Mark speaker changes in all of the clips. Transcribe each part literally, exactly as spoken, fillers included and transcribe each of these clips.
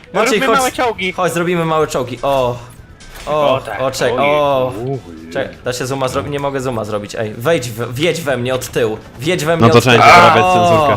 Speaker 1: Maciej,
Speaker 2: Robimy
Speaker 1: chodź,
Speaker 2: małe czołgi.
Speaker 1: chodź, zrobimy małe czołgi. O, o,
Speaker 2: O, tak.
Speaker 1: o, czek,
Speaker 2: Ojej.
Speaker 1: o. Czek, da się zooma zrobić? Nie mogę zooma zrobić, ej. Wejdź, w, wjedź we mnie od tyłu. Wjedź we mnie
Speaker 3: No to
Speaker 1: od tyłu.
Speaker 3: trzeba poprawiać
Speaker 1: O!
Speaker 3: cenzurkę.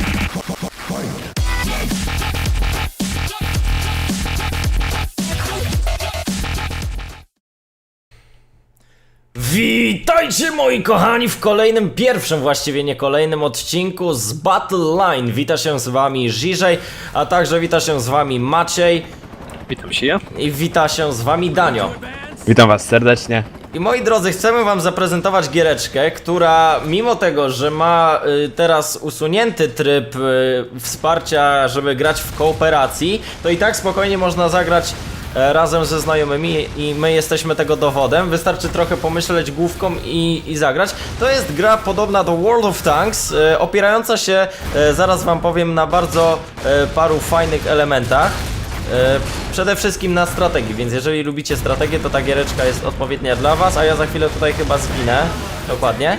Speaker 1: Witajcie moi kochani w kolejnym, pierwszym właściwie nie kolejnym odcinku z Battle Line. Wita się z wami Żiżej, a także wita się z wami Maciej
Speaker 2: Witam się ja.
Speaker 1: i wita się z wami Danio.
Speaker 3: Witam was serdecznie.
Speaker 1: I moi drodzy, chcemy wam zaprezentować giereczkę, która mimo tego, że ma y, teraz usunięty tryb y, wsparcia, żeby grać w kooperacji, to i tak spokojnie można zagrać e, razem ze znajomymi i my jesteśmy tego dowodem. Wystarczy trochę pomyśleć główką i, i zagrać. To jest gra podobna do World of Tanks, e, opierająca się, e, zaraz wam powiem, na bardzo e, paru fajnych elementach. E, Przede wszystkim na strategii, więc jeżeli lubicie strategię, to ta giereczka jest odpowiednia dla was, a ja za chwilę tutaj chyba zginę. Dokładnie.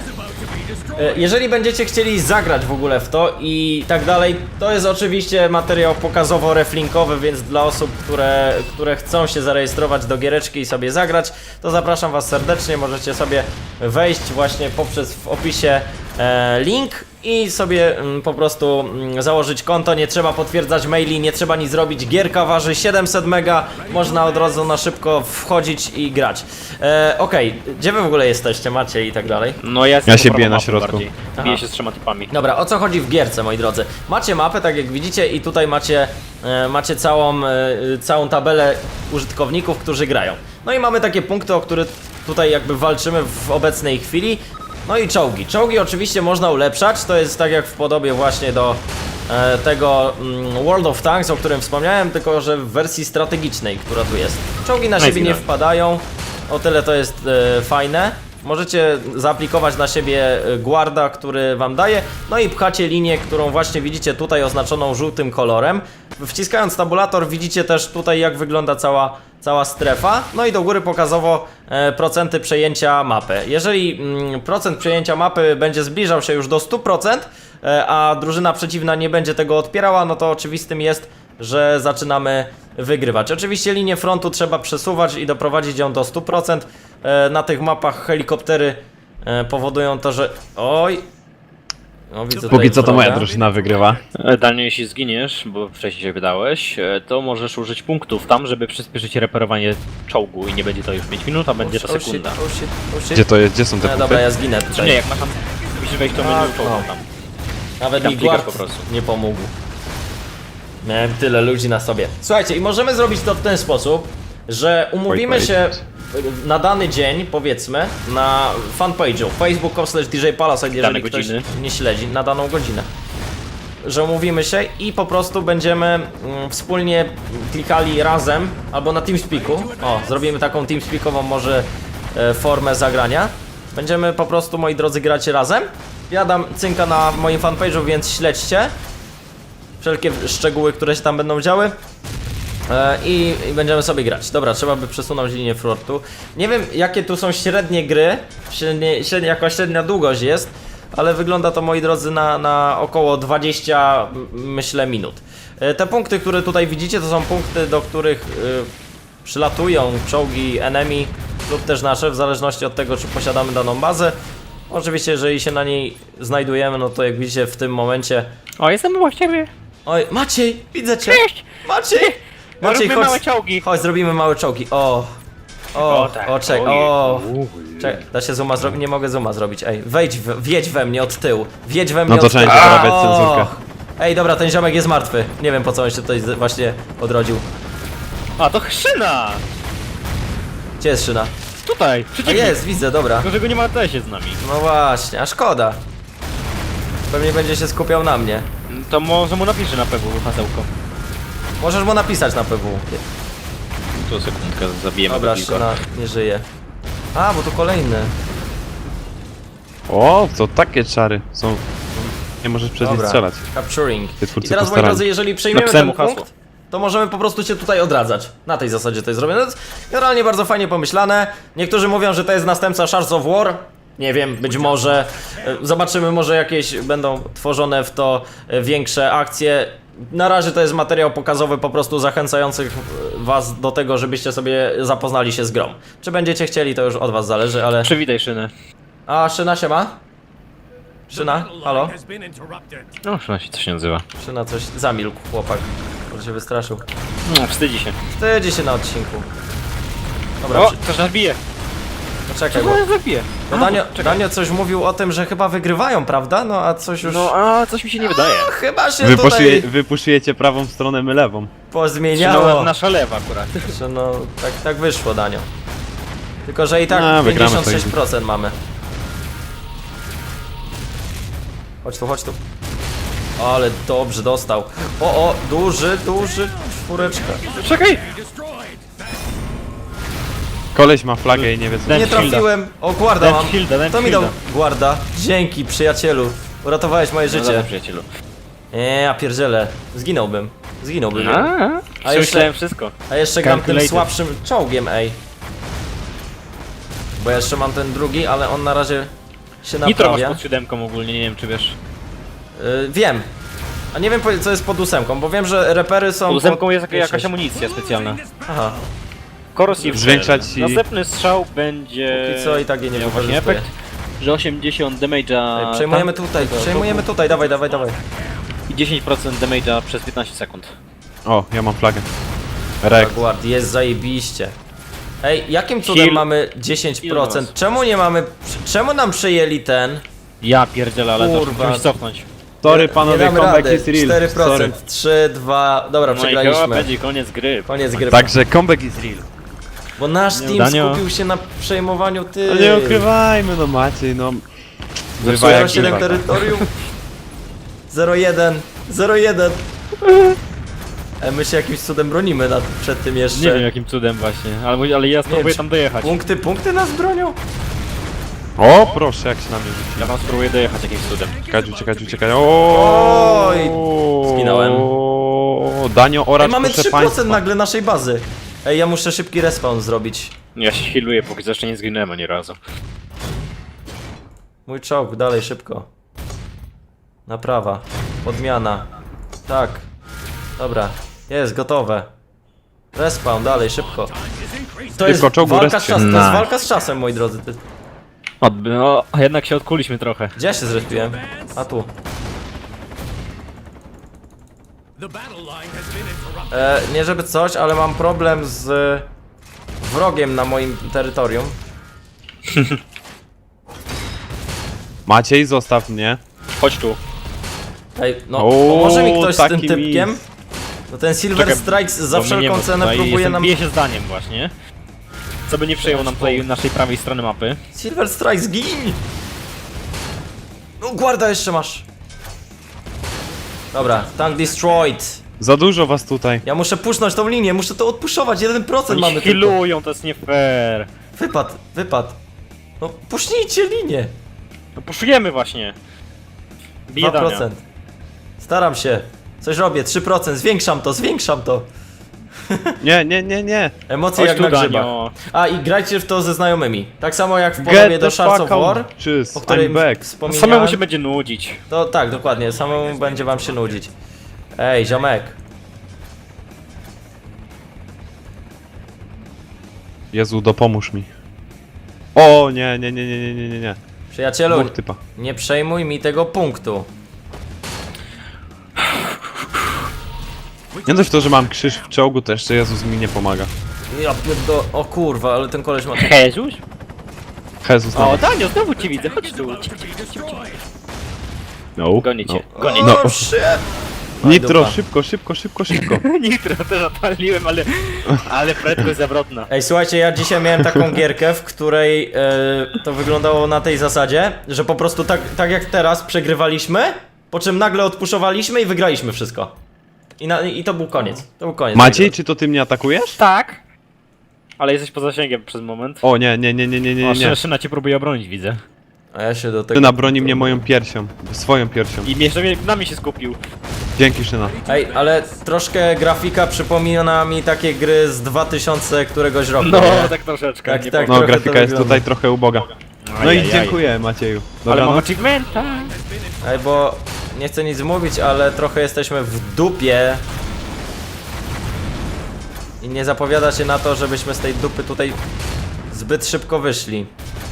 Speaker 1: E, Jeżeli będziecie chcieli zagrać w ogóle w to i tak dalej, to jest oczywiście materiał pokazowo-reflinkowy, więc dla osób, które, które chcą się zarejestrować do giereczki i sobie zagrać, to zapraszam was serdecznie, możecie sobie wejść właśnie poprzez w opisie e, link i sobie mm, po prostu mm, założyć konto, nie trzeba potwierdzać maili, nie trzeba nic zrobić, gierka waży siedemset mega, można od razu na szybko wchodzić i grać. E, Okej, gdzie wy w ogóle jesteście, macie i tak dalej?
Speaker 2: No ja, jestem
Speaker 3: Ja się
Speaker 2: po
Speaker 3: biję
Speaker 2: prawo
Speaker 3: na
Speaker 2: mapy
Speaker 3: środku.
Speaker 2: bardziej.
Speaker 1: Aha.
Speaker 2: Biję się z trzema typami.
Speaker 1: Dobra, o co chodzi w gierce, moi drodzy? Macie mapę, tak jak widzicie, i tutaj macie, e, macie całą, e, całą tabelę użytkowników, którzy grają. No i mamy takie punkty, o które tutaj jakby walczymy w obecnej chwili. No i czołgi. Czołgi oczywiście można ulepszać, to jest tak jak w podobie właśnie do e, tego mm, World of Tanks, o którym wspomniałem, tylko że w wersji strategicznej, która tu jest. Czołgi na
Speaker 2: No i
Speaker 1: siebie nie
Speaker 2: zginąłem.
Speaker 1: wpadają, o tyle to jest e, fajne. Możecie zaaplikować na siebie e, guarda, który wam daje, no i pchacie linię, którą właśnie widzicie tutaj oznaczoną żółtym kolorem. Wciskając tabulator widzicie też tutaj, jak wygląda cała, cała strefa, no i do góry pokazowo e, procenty przejęcia mapy. Jeżeli mm, procent przejęcia mapy będzie zbliżał się już do stu procent, e, a drużyna przeciwna nie będzie tego odpierała, no to oczywistym jest, że zaczynamy wygrywać. Oczywiście linię frontu trzeba przesuwać i doprowadzić ją do stu procent. E, na tych mapach helikoptery e, powodują to, że... Oj! No, widzę tutaj
Speaker 3: Póki co to moja
Speaker 1: wroga.
Speaker 3: drużyna wygrywa.
Speaker 2: E, Daniel, jeśli zginiesz, bo wcześniej się wydałeś, e, to możesz użyć punktów tam, żeby przyspieszyć reperowanie czołgu i nie będzie to już pięć minut, a będzie to
Speaker 1: Oh shit,
Speaker 2: sekunda.
Speaker 1: oh shit, oh shit.
Speaker 3: Gdzie to jest? Gdzie są te
Speaker 1: No,
Speaker 3: punkty?
Speaker 1: dobra, ja zginę
Speaker 2: Czy
Speaker 1: tutaj.
Speaker 2: nie, jak masz tam... Musisz wejść do menu
Speaker 1: Tak,
Speaker 2: czołgu
Speaker 1: no.
Speaker 2: tam.
Speaker 1: Nawet
Speaker 2: Tam
Speaker 1: mi
Speaker 2: klikasz
Speaker 1: guard
Speaker 2: po prostu.
Speaker 1: nie pomógł. Miałem tyle ludzi na sobie. Słuchajcie, i możemy zrobić to w ten sposób, że umówimy
Speaker 3: Wait,
Speaker 1: się
Speaker 3: wait.
Speaker 1: na dany dzień, powiedzmy, na fanpage'u facebook kropka com slash D J Palasite, jeżeli
Speaker 2: Dane
Speaker 1: ktoś
Speaker 2: godziny.
Speaker 1: nie śledzi, na daną godzinę. Że umówimy się i po prostu będziemy mm, wspólnie klikali razem, albo na TeamSpeaku. O, zrobimy taką TeamSpeakową może e, formę zagrania. Będziemy po prostu, moi drodzy, grać razem. Ja dam cynka na moim fanpage'u, więc śledźcie wszelkie szczegóły, które się tam będą działy. E, i, I będziemy sobie grać. Dobra, trzeba by przesunąć linię frontu. Nie wiem, jakie tu są średnie gry, średnie, średnie, jaka średnia długość jest, ale wygląda to, moi drodzy, na, na około dwadzieścia, m, myślę, minut. E, te punkty, które tutaj widzicie, to są punkty, do których y, przylatują czołgi enemy lub też nasze, w zależności od tego, czy posiadamy daną bazę. Oczywiście, jeżeli się na niej znajdujemy, no to jak widzicie w tym momencie...
Speaker 2: O, jestem obok ciebie.
Speaker 1: Oj, Maciej, widzę cię!
Speaker 2: Cześć!
Speaker 1: Maciej! Maciej,
Speaker 2: Robimy
Speaker 1: chodź,
Speaker 2: małe czołgi.
Speaker 1: chodź, zrobimy małe czołgi. O, o,
Speaker 2: O, tak.
Speaker 1: o, czek,
Speaker 2: Ojej.
Speaker 1: o. Czek, da się zooma zrobić? Nie mogę zooma zrobić. Ej, wejdź, w, wjedź we mnie od tyłu. Wjedź we mnie
Speaker 3: No to
Speaker 1: od tyłu.
Speaker 3: trzeba poprawiać
Speaker 1: O!
Speaker 3: cenzurkę.
Speaker 1: Ej, dobra, ten ziomek jest martwy. Nie wiem, po co on się tutaj z- właśnie odrodził.
Speaker 2: A, to szyna!
Speaker 1: Gdzie jest szyna?
Speaker 2: Tutaj,
Speaker 1: A
Speaker 2: przeciwnik.
Speaker 1: jest, widzę, dobra.
Speaker 2: Tylko, że go nie ma na się z nami.
Speaker 1: No właśnie, a szkoda. Pewnie będzie się skupiał na mnie.
Speaker 2: To może mu napiszę na pewno hasełko.
Speaker 1: Możesz mu napisać na P W.
Speaker 2: To sekundkę, zabijemy
Speaker 1: Dobra,
Speaker 2: go tylko.
Speaker 1: szyna nie żyje. A, bo tu kolejny.
Speaker 3: O, to takie czary są. Nie możesz przez nie
Speaker 1: Dobra,
Speaker 3: strzelać.
Speaker 1: capturing.
Speaker 3: Ty twórcy
Speaker 1: I teraz, moi
Speaker 3: postarali.
Speaker 1: drodzy, jeżeli przejmiemy
Speaker 2: Napisałem
Speaker 1: ten
Speaker 2: mu hasło.
Speaker 1: punkt, to możemy po prostu cię tutaj odradzać. Na tej zasadzie to jest zrobione. To jest generalnie bardzo fajnie pomyślane. Niektórzy mówią, że to jest następca Shards of War. Nie wiem, być może. E, Zobaczymy, może jakieś będą tworzone w to e, większe akcje. na razie to jest materiał pokazowy, po prostu zachęcający was do tego, żebyście sobie zapoznali się z grą. Czy będziecie chcieli, to już od was zależy, ale...
Speaker 2: Przywitaj Szynę.
Speaker 1: A Szyna się ma? Szyna? Halo?
Speaker 2: No, Szyna się coś nie nazywa.
Speaker 1: Szyna coś... Zamilkł chłopak, może się wystraszył.
Speaker 2: No, wstydzi się.
Speaker 1: Wstydzi się na odcinku. Dobra,
Speaker 2: O,
Speaker 1: przy...
Speaker 2: ktoś nas bije.
Speaker 1: poczekaj, bo...
Speaker 2: Ktoś nas zabije.
Speaker 1: bo Danio, Danio coś mówił o tym, że chyba wygrywają, prawda? No a coś już...
Speaker 2: No, a coś mi się nie wydaje.
Speaker 1: Chyba się
Speaker 3: Wy,
Speaker 1: tutaj
Speaker 3: poszuje, wy puszujecie prawą stronę, my lewą.
Speaker 1: pozmieniało.
Speaker 2: No, nasza lewa akurat.
Speaker 1: Że no, tak, tak wyszło, Danio. Tylko, że i tak
Speaker 3: A, wygramy
Speaker 1: pięćdziesiąt sześć procent mamy. Chodź tu, chodź tu. Ale dobrze dostał. O, o, duży, duży, czwóreczka.
Speaker 2: Czekaj!
Speaker 3: Koleś ma flagę i nie wie co.
Speaker 2: Daj
Speaker 1: Nie
Speaker 2: Shielda.
Speaker 1: trafiłem. O, guarda
Speaker 2: Daj
Speaker 1: mam.
Speaker 2: shielda, daj
Speaker 1: To mi dał
Speaker 2: shielda.
Speaker 1: guarda. Dzięki, przyjacielu. Uratowałeś moje
Speaker 2: No
Speaker 1: życie.
Speaker 2: dobra, przyjacielu.
Speaker 1: Nie, ja pierdzielę. Zginąłbym. Zginąłbym.
Speaker 2: A,
Speaker 1: A
Speaker 2: a
Speaker 1: jeszcze-
Speaker 2: jeszcze wszystko.
Speaker 1: A jeszcze gram tym
Speaker 2: Calculated.
Speaker 1: słabszym czołgiem, ej. Bo ja jeszcze mam ten drugi, ale on na razie się
Speaker 2: Nitro masz
Speaker 1: naprawia.
Speaker 2: pod siódemką ogólnie, nie wiem czy wiesz.
Speaker 1: Y, wiem. A nie wiem po- co jest pod ósemką, bo wiem, że repery są
Speaker 2: Pod ósemką
Speaker 1: pod
Speaker 2: jest jaka- jakaś
Speaker 1: dziesięć.
Speaker 2: amunicja specjalna.
Speaker 1: Aha,
Speaker 2: Corrosive
Speaker 3: Zwiększać
Speaker 2: Shell.
Speaker 3: i-
Speaker 2: Następny strzał będzie...
Speaker 1: póki co i tak jej nie
Speaker 2: miał właśnie
Speaker 1: wykorzystuję.
Speaker 2: efekt, że osiemdziesiąt damage'a
Speaker 1: Ej, przejmujemy
Speaker 2: tam
Speaker 1: tutaj,
Speaker 2: tego
Speaker 1: przejmujemy
Speaker 2: topu
Speaker 1: tutaj, dawaj, dawaj, dawaj.
Speaker 2: i dziesięć procent damage'a przez piętnaście sekund.
Speaker 3: O, ja mam flagę. Rek.
Speaker 1: Guard, jest zajebiście. Ej, jakim cudem
Speaker 2: Heal.
Speaker 1: mamy dziesięć procent?
Speaker 2: Heal
Speaker 1: Czemu nie mamy, czemu nam przejęli ten?
Speaker 2: Ja pierdzielę, ale to
Speaker 1: Kurwa.
Speaker 2: musimy cofnąć.
Speaker 3: Sorry
Speaker 1: Nie
Speaker 3: panowie,
Speaker 1: damy
Speaker 3: comeback
Speaker 1: rady.
Speaker 3: is real.
Speaker 1: cztery procent,
Speaker 3: Sorry.
Speaker 1: trzy, dwa, dobra,
Speaker 2: No i chyba
Speaker 1: przegraliśmy.
Speaker 2: będzie koniec gry.
Speaker 1: Koniec gry.
Speaker 3: Także comeback is real.
Speaker 1: Bo nasz team
Speaker 2: Danio.
Speaker 1: skupił się na przejmowaniu ty.
Speaker 3: No nie ukrywajmy, no Maciej, no. Bywa
Speaker 1: zero
Speaker 3: jak
Speaker 1: siedem
Speaker 3: bywa.
Speaker 1: terytorium. zero jeden, zero jeden. E, my się jakimś cudem bronimy nad, przed tym jeszcze.
Speaker 2: Nie wiem jakim cudem właśnie, ale, ale ja spróbuję
Speaker 1: czy-
Speaker 2: tam dojechać.
Speaker 1: Punkty, punkty nas bronią?
Speaker 3: O, proszę, jak się na mnie rzuci.
Speaker 2: Ja tam spróbuję dojechać jakimś cudem.
Speaker 3: Uciekać, uciekać, uciekać. O.
Speaker 1: Oj, zginąłem.
Speaker 3: Danio, oracz,
Speaker 1: Ej, mamy
Speaker 3: proszę
Speaker 1: trzy procent
Speaker 3: państwa.
Speaker 1: nagle naszej bazy. Ej, ja muszę szybki respawn zrobić.
Speaker 2: Ja się healuję, póki co jeszcze nie zginąłem ani razu.
Speaker 1: Mój czołg, dalej, szybko. Naprawa. Podmiana. Tak. Dobra. Jest, gotowe. Respawn, dalej, szybko. To jest
Speaker 3: Szybko, czołgu,
Speaker 1: walka z
Speaker 3: respawn.
Speaker 1: czasem, to jest
Speaker 2: Nice.
Speaker 1: walka z czasem, moi drodzy. Ty-
Speaker 2: Odby no, a jednak się odkuliśmy trochę.
Speaker 1: Gdzie ja się zrespiłem? A tu. E, nie żeby coś, ale mam problem z wrogiem na moim terytorium.
Speaker 3: Maciej, zostaw mnie.
Speaker 2: Chodź tu.
Speaker 1: Ej, no
Speaker 3: O,
Speaker 1: pomoże mi ktoś z tym
Speaker 3: taki
Speaker 1: typkiem?
Speaker 3: mis.
Speaker 1: No ten Silver
Speaker 2: Czekaj,
Speaker 1: Strikes za
Speaker 2: bo mnie nie
Speaker 1: wszelką
Speaker 2: ma
Speaker 1: cenę
Speaker 2: tutaj,
Speaker 1: próbuje
Speaker 2: jestem,
Speaker 1: nam...
Speaker 2: Bije się zdaniem właśnie. Co by nie przejął nam tutaj naszej prawej strony mapy.
Speaker 1: Silver Strikes, gin! No guarda jeszcze masz. Dobra, tank destroyed.
Speaker 3: Za dużo was tutaj.
Speaker 1: Ja muszę pusznąć tą linię, muszę to odpuszować, jeden procent
Speaker 2: Oni
Speaker 1: mamy
Speaker 2: się
Speaker 1: tylko.
Speaker 2: healują, to jest nie fair.
Speaker 1: Wypad, wypad. No puśnijcie linię.
Speaker 2: No puszujemy właśnie. Bije
Speaker 1: dwa
Speaker 2: Dania.
Speaker 1: procent. Staram się. Coś robię, trzy procent, zwiększam to, zwiększam to.
Speaker 3: Nie, nie, nie, nie.
Speaker 1: Emocje
Speaker 2: Chodź
Speaker 1: jak
Speaker 2: tu,
Speaker 1: na grzybach.
Speaker 2: Danio.
Speaker 1: A i grajcie w to ze znajomymi. Tak samo jak w podobie
Speaker 3: Get
Speaker 1: do
Speaker 3: the
Speaker 1: Shards of
Speaker 3: fuck out.
Speaker 1: War,
Speaker 3: Cheers,
Speaker 1: o której
Speaker 3: I'm back.
Speaker 1: wspominałem.
Speaker 2: Samemu się będzie nudzić.
Speaker 1: To tak, dokładnie, samemu będzie wam się nudzić. Ej, ziomek.
Speaker 3: Jezu, dopomóż mi. O, nie, nie, nie, nie, nie, nie, nie, nie.
Speaker 1: Przyjacielu,
Speaker 3: Dwóch typa.
Speaker 1: nie przejmuj mi tego punktu.
Speaker 3: Nie dość to, że mam krzyż w czołgu, to jeszcze Jezus mi nie pomaga.
Speaker 1: Ja pierdo... O kurwa, ale ten koleś ma...
Speaker 2: Jezus?
Speaker 3: Jezus
Speaker 2: O,
Speaker 3: nam.
Speaker 2: Danio, znowu cię widzę, chodź tu. Chodź, chodź, chodź, chodź.
Speaker 3: No,
Speaker 2: Gonię cię,
Speaker 3: no.
Speaker 2: gonię
Speaker 3: No.
Speaker 1: O, shit!
Speaker 3: Nitro,
Speaker 1: dupa.
Speaker 3: szybko, szybko, szybko, szybko.
Speaker 2: Nitro też odpaliłem, ale... Ale prędkość zawrotna.
Speaker 1: Ej, słuchajcie, ja dzisiaj miałem taką gierkę, w której e, to wyglądało na tej zasadzie, że po prostu tak, tak jak teraz przegrywaliśmy, po czym nagle odpuszowaliśmy i wygraliśmy wszystko. I, na, I to był koniec. To był koniec.
Speaker 3: Maciej, czy to ty mnie atakujesz?
Speaker 2: Tak. Ale jesteś poza zasięgiem przez moment.
Speaker 3: O nie, nie, nie, nie, nie, nie,
Speaker 2: O,
Speaker 3: nie.
Speaker 2: Szyna, Szyna cię próbuje obronić, widzę.
Speaker 1: A ja się do tego...
Speaker 3: Szyna broni mnie moją piersią, swoją piersią.
Speaker 2: I jeszcze mnie- na mnie się skupił.
Speaker 3: Dzięki, Szyna.
Speaker 1: Ej, ale troszkę grafika przypomina mi takie gry z dwa tysiące któregoś roku,
Speaker 2: No,
Speaker 1: nie?
Speaker 2: tak troszeczkę.
Speaker 1: Tak,
Speaker 2: nie
Speaker 1: tak.
Speaker 3: No,
Speaker 1: trochę to
Speaker 3: grafika jest
Speaker 1: wygląda.
Speaker 3: tutaj trochę uboga. No i
Speaker 2: Ajajaj.
Speaker 3: dziękuję, Macieju.
Speaker 2: Ale
Speaker 3: Dobra,
Speaker 2: mam
Speaker 3: no.
Speaker 2: achievementa.
Speaker 1: Ej, bo nie chcę nic mówić, ale trochę jesteśmy w dupie. I nie zapowiada się na to, żebyśmy z tej dupy tutaj zbyt szybko wyszli.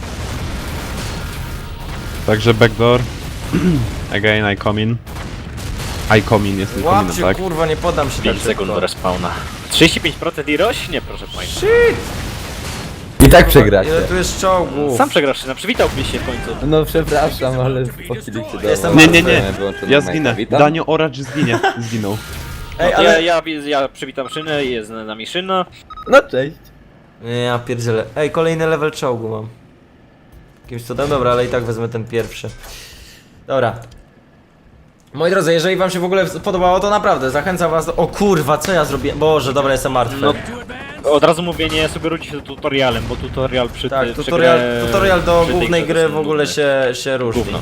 Speaker 3: Także backdoor. Again, I come in. I come in, jestem
Speaker 1: Łap
Speaker 3: kominem,
Speaker 1: się,
Speaker 3: tak?
Speaker 1: kurwa, nie podam się tak
Speaker 2: pięć sekund do
Speaker 1: szybko.
Speaker 2: respawna. trzydzieści pięć procent i rośnie, proszę państwa.
Speaker 1: Shit!
Speaker 4: I tak przegracie.
Speaker 1: Ile tu jest czołgów?
Speaker 2: Sam przegrasz, no przywitałbyś się w końcu.
Speaker 4: No przepraszam, ale po chwili się do
Speaker 1: Jestem
Speaker 3: Nie, nie, nie.
Speaker 4: Wyłączony
Speaker 3: Ja
Speaker 4: mic.
Speaker 3: zginę.
Speaker 4: Witam.
Speaker 3: Danio Oracz zginie. Zginął.
Speaker 1: Ej,
Speaker 2: Ale
Speaker 1: ale...
Speaker 2: ja, ja, ja przywitam szynę, jest z nami szyna.
Speaker 4: No cześć.
Speaker 1: Nie, ja pierdzielę. Ej, kolejny level czołgu mam. Jakimś cudem, dobra, ale i tak wezmę ten pierwszy. Dobra. Moi drodzy, jeżeli wam się w ogóle podobało, to naprawdę zachęcam was do... O kurwa, co ja zrobiłem? Boże, dobra, jestem martwy.
Speaker 2: No, od razu mówię, nie sugerujcie się tutorialem, bo tutorial przy
Speaker 1: tak,
Speaker 2: ty- przy
Speaker 1: tutorial,
Speaker 2: grę-
Speaker 1: tutorial do
Speaker 2: przy tej
Speaker 1: głównej
Speaker 2: grze
Speaker 1: gry
Speaker 2: to
Speaker 1: w
Speaker 2: są
Speaker 1: ogóle
Speaker 2: nudne.
Speaker 1: się, się różni.
Speaker 2: Gówno.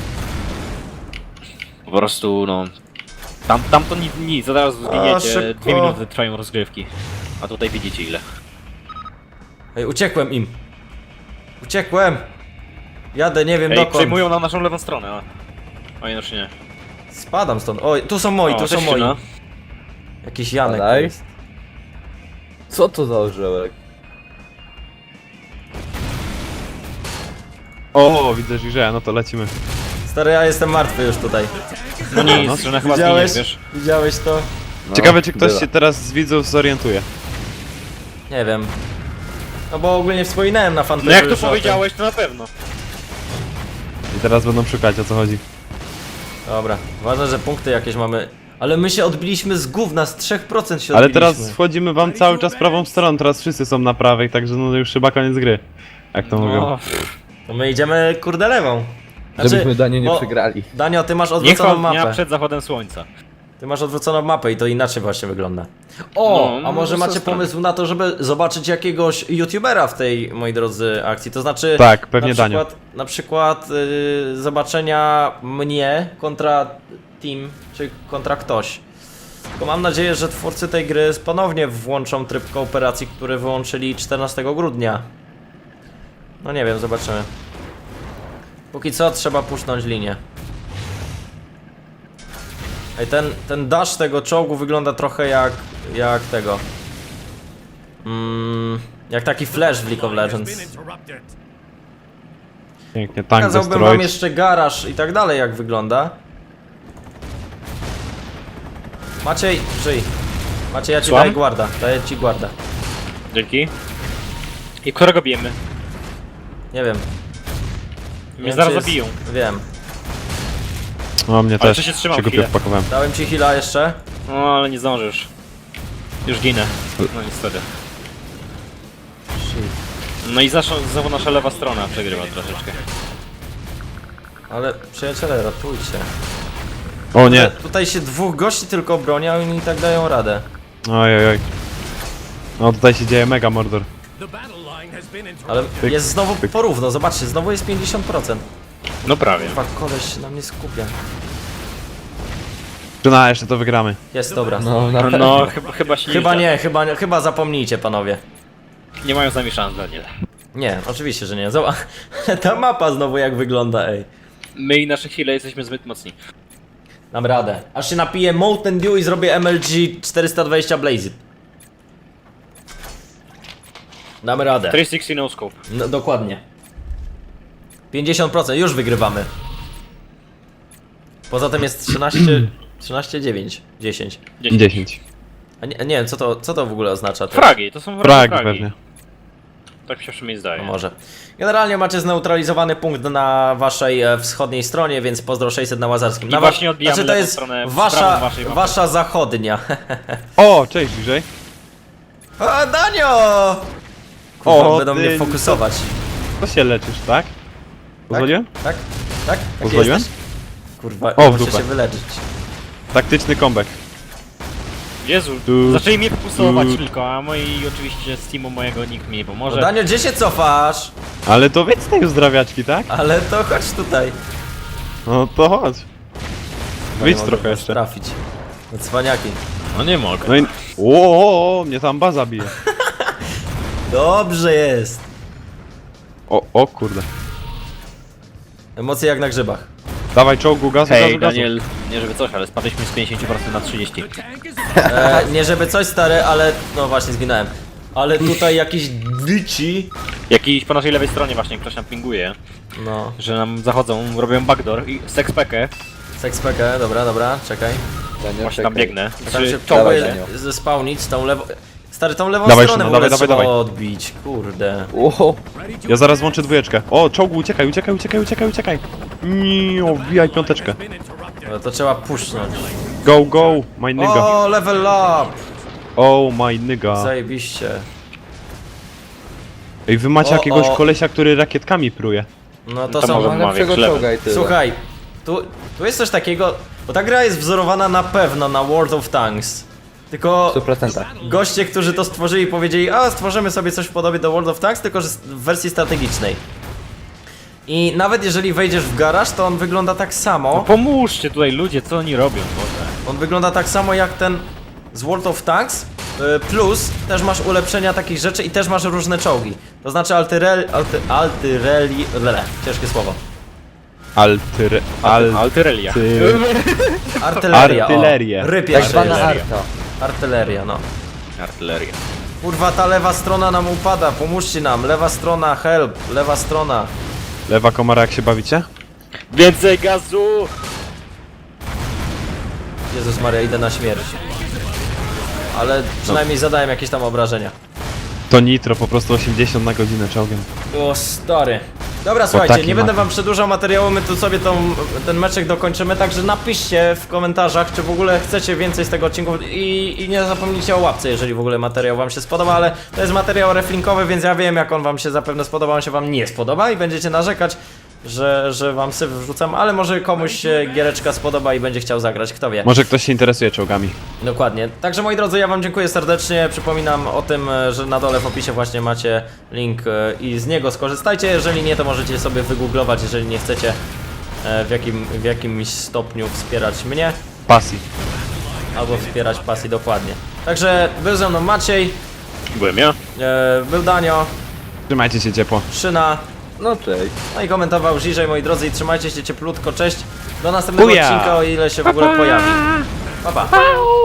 Speaker 2: Po prostu, no... Tam, tam to nic, nic, zaraz zginiecie,
Speaker 1: szybko.
Speaker 2: dwie minuty trwają rozgrywki. A tutaj widzicie ile.
Speaker 1: Ej, uciekłem im. Uciekłem. Jadę, nie wiem
Speaker 2: Ej,
Speaker 1: dokąd.
Speaker 2: przejmują na naszą lewą stronę, a... Oj, no czy nie.
Speaker 1: Spadam stąd. Oj, tu są moi,
Speaker 2: O,
Speaker 1: tu są
Speaker 2: cześć,
Speaker 1: moi.
Speaker 2: Szyna.
Speaker 1: Jakiś Janek to
Speaker 4: Badaj.
Speaker 1: jest.
Speaker 4: Co to za orzełek?
Speaker 3: O, widzę że no to lecimy.
Speaker 1: Stary, ja jestem martwy już tutaj.
Speaker 2: No nic, że na chyba
Speaker 1: Widziałeś?
Speaker 2: zginiesz, wiesz.
Speaker 1: Widziałeś to?
Speaker 4: No,
Speaker 3: Ciekawe, czy ktoś
Speaker 4: bywa.
Speaker 3: się teraz z widzów zorientuje.
Speaker 1: Nie wiem. No bo ogólnie wspominałem na fanpage'u
Speaker 2: No jak
Speaker 1: już
Speaker 2: to
Speaker 1: o tym.
Speaker 2: powiedziałeś, to na pewno.
Speaker 3: I teraz będą szukać, o co chodzi.
Speaker 1: Dobra, ważne, że punkty jakieś mamy. Ale my się odbiliśmy z gówna, z trzech procent się
Speaker 3: Ale
Speaker 1: odbiliśmy.
Speaker 3: teraz wchodzimy wam cały czas prawą stroną, teraz wszyscy są na prawej, także no już chyba koniec gry. Jak to mówią.
Speaker 2: No,
Speaker 1: To my idziemy kurde lewą.
Speaker 4: Żebyśmy Daniu nie
Speaker 1: o,
Speaker 4: przegrali.
Speaker 1: Danio, ty masz
Speaker 2: niech
Speaker 1: odwróconą
Speaker 2: dnia
Speaker 1: mapę.
Speaker 2: przed zachodem słońca.
Speaker 1: Ty masz odwróconą mapę i to inaczej właśnie wygląda. O,
Speaker 2: No, no,
Speaker 1: a może
Speaker 2: to
Speaker 1: macie
Speaker 2: są strony.
Speaker 1: pomysł na to, żeby zobaczyć jakiegoś youtubera w tej, moi drodzy, akcji? To znaczy...
Speaker 3: Tak, pewnie
Speaker 1: na
Speaker 3: Danio.
Speaker 1: przykład, na przykład yy, zobaczenia mnie kontra team, czy kontra ktoś. Tylko mam nadzieję, że twórcy tej gry ponownie włączą tryb kooperacji, który wyłączyli czternastego grudnia. No nie wiem, zobaczymy. Póki co trzeba puszcząć linię. Ej, ten, ten dash tego czołgu wygląda trochę jak, jak tego. Mm, jak taki flash w League of Legends.
Speaker 3: Pięknie, tank
Speaker 1: Pokazałbym wam
Speaker 3: destroyed.
Speaker 1: jeszcze garaż i tak dalej, jak wygląda. Maciej, żyj. Maciej, ja ci
Speaker 2: Słucham?
Speaker 1: daję guarda, daję ci guarda.
Speaker 2: Dzięki. I którego bijemy?
Speaker 1: Nie wiem.
Speaker 2: Mnie
Speaker 1: wiem,
Speaker 2: zaraz
Speaker 1: czy jest-
Speaker 2: zabiją.
Speaker 1: Wiem.
Speaker 3: No mnie
Speaker 2: Ale
Speaker 3: też,
Speaker 2: to się trzymał
Speaker 3: się głupio
Speaker 2: chwilę.
Speaker 3: wpakowałem.
Speaker 1: Dałem ci heala jeszcze.
Speaker 2: No ale nie zdążysz. Już ginę. No niestety. No i zaszło, znowu nasza lewa strona przegrywa troszeczkę.
Speaker 1: Ale przyjaciele, ratujcie.
Speaker 3: O nie,
Speaker 1: Tutaj się dwóch gości tylko broni, a oni i tak dają radę.
Speaker 3: oj oj oj. No tutaj się dzieje mega mordor.
Speaker 1: Ale
Speaker 3: Pyk,
Speaker 1: jest znowu
Speaker 3: pyk.
Speaker 1: porówno, zobaczcie, znowu jest pięćdziesiąt procent.
Speaker 2: No prawie.
Speaker 1: Chyba koleś się na mnie skupia.
Speaker 3: Czyna, jeszcze to wygramy.
Speaker 1: Jest, dobra.
Speaker 4: No, na pewno.
Speaker 2: No chyba, chyba się
Speaker 1: Chyba
Speaker 2: da.
Speaker 1: nie, chyba, nie- chyba zapomnijcie, panowie.
Speaker 2: Nie mają z nami szans, Daniel.
Speaker 1: Nie, oczywiście, że nie. Zobacz, ta mapa znowu jak wygląda, ej.
Speaker 2: My i nasze heale jesteśmy zbyt mocni.
Speaker 1: Dam radę. Aż się napiję Mountain Dew i zrobię M L G czterysta dwadzieścia Blazed. Damy radę.
Speaker 2: trzysta sześćdziesiąt no scope.
Speaker 1: No, dokładnie. pięćdziesiąt procent, już wygrywamy. Poza tym jest trzynaście, trzynaście dziewięć, dziesięć.
Speaker 3: dziesięć.
Speaker 1: A nie, nie wiem, co to, co to w ogóle oznacza? To
Speaker 2: Fragi, to są
Speaker 3: Fragi
Speaker 2: fragi. fragi.
Speaker 3: pewnie.
Speaker 2: Tak mi się przynajmniej zdaje.
Speaker 1: No może. Generalnie macie zneutralizowany punkt na waszej e, wschodniej stronie, więc pozdro sześćset na Łazarskim.
Speaker 2: I
Speaker 1: Na
Speaker 2: właśnie odbijamy
Speaker 1: znaczy to
Speaker 2: lewą
Speaker 1: jest
Speaker 2: stronę w
Speaker 1: wasza,
Speaker 2: prawą waszej mapy.
Speaker 1: wasza zachodnia.
Speaker 3: O, cześć bliżej.
Speaker 1: O, Danio! Kurwa,
Speaker 3: O,
Speaker 1: będą
Speaker 3: ty-
Speaker 1: mnie fokusować.
Speaker 3: To się leczysz, tak? Pozwoliłem?
Speaker 1: Tak? Tak? Tak? Taki
Speaker 3: Pozwoliłem?
Speaker 1: jesteś? Kurwa,
Speaker 3: O, w
Speaker 1: muszę
Speaker 3: dupę.
Speaker 1: się wyleczyć.
Speaker 3: Taktyczny comeback.
Speaker 2: Jezu,
Speaker 3: Tu,
Speaker 2: zaczęli mnie fokusować
Speaker 3: tu.
Speaker 2: tylko, a moi oczywiście z teamu mojego nikt mi nie
Speaker 1: No,
Speaker 2: pomoże.
Speaker 1: Danio, gdzie się cofasz?
Speaker 3: Ale to więc te uzdrawiaczki, tak?
Speaker 1: Ale to chodź tutaj.
Speaker 3: No to chodź.
Speaker 1: Chyba
Speaker 3: Wyjdź
Speaker 1: nie mogę
Speaker 3: trochę
Speaker 1: was
Speaker 3: jeszcze.
Speaker 1: trafić. No cwaniaki.
Speaker 2: No nie mogę.
Speaker 3: No i... O, o, o, mnie tam baza bije.
Speaker 1: Dobrze jest.
Speaker 3: O, o kurde.
Speaker 1: Emocje jak na grzybach.
Speaker 3: Dawaj czołgu, gazu,
Speaker 2: Hej,
Speaker 3: gazu, gazu.
Speaker 2: Daniel, nie żeby coś, ale spadliśmy z pięćdziesiąt procent na trzydzieści procent.
Speaker 1: E, nie żeby coś stary, ale no właśnie zginąłem. Ale tutaj jakiś dyci.
Speaker 2: Jakiś po naszej lewej stronie właśnie ktoś nam pinguje,
Speaker 1: No,
Speaker 2: że nam zachodzą, robią backdoor i sexpackę.
Speaker 1: sexpackę, dobra, dobra, czekaj.
Speaker 4: Daniel,
Speaker 2: Właśnie tam
Speaker 4: czekaj.
Speaker 2: biegnę.
Speaker 1: Tam
Speaker 2: Znaczy,
Speaker 1: się
Speaker 4: Dawaj,
Speaker 1: próbuję
Speaker 4: Daniel.
Speaker 1: zespałnić tą lewą... Stary, tą lewą
Speaker 3: Dawaj,
Speaker 1: stronę
Speaker 3: Szymon,
Speaker 1: w ogóle
Speaker 3: dawaj,
Speaker 1: trzeba
Speaker 3: dawaj, dawaj.
Speaker 1: odbić, kurde.
Speaker 4: Ło,
Speaker 3: Ja zaraz włączę dwójeczkę. O, czołgu, uciekaj, uciekaj, uciekaj, uciekaj, uciekaj. Nie, wbijaj piąteczkę.
Speaker 1: No to trzeba puszcząć.
Speaker 3: Go, go, my nigga.
Speaker 1: O, level up!
Speaker 3: Oh, my nigga.
Speaker 1: Zajebiście.
Speaker 3: Ej, wy macie
Speaker 1: O,
Speaker 3: jakiegoś
Speaker 1: o.
Speaker 3: kolesia, który rakietami pruje.
Speaker 1: No to
Speaker 2: To
Speaker 1: są...
Speaker 2: może
Speaker 4: ma
Speaker 2: ma
Speaker 4: lepszego
Speaker 2: większy level.
Speaker 4: czołga i tyle.
Speaker 1: Słuchaj, tu, tu jest coś takiego, bo ta gra jest wzorowana na pewno na World of Tanks. Tylko
Speaker 4: W stu procentach.
Speaker 1: goście, którzy to stworzyli, powiedzieli, a stworzymy sobie coś w podobie do World of Tanks, tylko że w wersji strategicznej. I nawet jeżeli wejdziesz w garaż, to on wygląda tak
Speaker 2: No
Speaker 1: samo.
Speaker 2: pomóżcie tutaj ludzie, co oni robią, Boże.
Speaker 1: On wygląda tak samo jak ten z World of Tanks. y, Plus też masz ulepszenia takich rzeczy i też masz różne czołgi. To znaczy altyrel, alty, altyreli, lele, ciężkie słowo.
Speaker 3: Altyre... Al...
Speaker 2: Altyrelia.
Speaker 3: Ty...
Speaker 1: Artyleria.
Speaker 3: Artylerię.
Speaker 1: O, ryb
Speaker 4: Tak
Speaker 1: jeszcze
Speaker 4: zwana
Speaker 1: jest.
Speaker 4: arta.
Speaker 1: Artyleria, no.
Speaker 2: Artyleria.
Speaker 1: Kurwa, ta lewa strona nam upada, pomóżcie nam. Lewa strona, help, lewa strona.
Speaker 3: Lewa komara, jak się bawicie?
Speaker 2: Więcej gazu!
Speaker 1: Jezus Maria, idę na śmierć. Ale przynajmniej zadałem jakieś tam obrażenia.
Speaker 3: To nitro, po prostu osiemdziesiąt na godzinę czołgiem.
Speaker 1: O stary. Dobra, słuchajcie,
Speaker 3: taki
Speaker 1: nie będę
Speaker 3: maka.
Speaker 1: wam przedłużał materiału, my tu sobie tą, ten meczek dokończymy, także napiszcie w komentarzach, czy w ogóle chcecie więcej z tego odcinku i, i nie zapomnijcie o łapce, jeżeli w ogóle materiał wam się spodoba, ale to jest materiał reflinkowy, więc ja wiem, jak on wam się zapewne spodoba, on się wam nie spodoba i będziecie narzekać, że, że wam syf wrzucam, ale może komuś się giereczka spodoba i będzie chciał zagrać, kto wie.
Speaker 3: Może ktoś się interesuje czołgami.
Speaker 1: Dokładnie. Także moi drodzy, ja wam dziękuję serdecznie. Przypominam o tym, e, że na dole w opisie właśnie macie link e, i z niego skorzystajcie. Jeżeli nie, to możecie sobie wygooglować, jeżeli nie chcecie e, w, jakim, w jakimś stopniu wspierać mnie,
Speaker 3: Pasji.
Speaker 1: albo wspierać pasji dokładnie. Także był ze mną Maciej,
Speaker 2: Byłem ja.
Speaker 1: e, był Danio,
Speaker 3: Trzymajcie się ciepło.
Speaker 1: Szyna,
Speaker 4: No cześć.
Speaker 1: no i komentował Żiżej, moi drodzy, i trzymajcie się cieplutko, cześć. Do następnego
Speaker 3: Buja!
Speaker 1: odcinka, o ile się w ogóle pojawi. Pa, pa.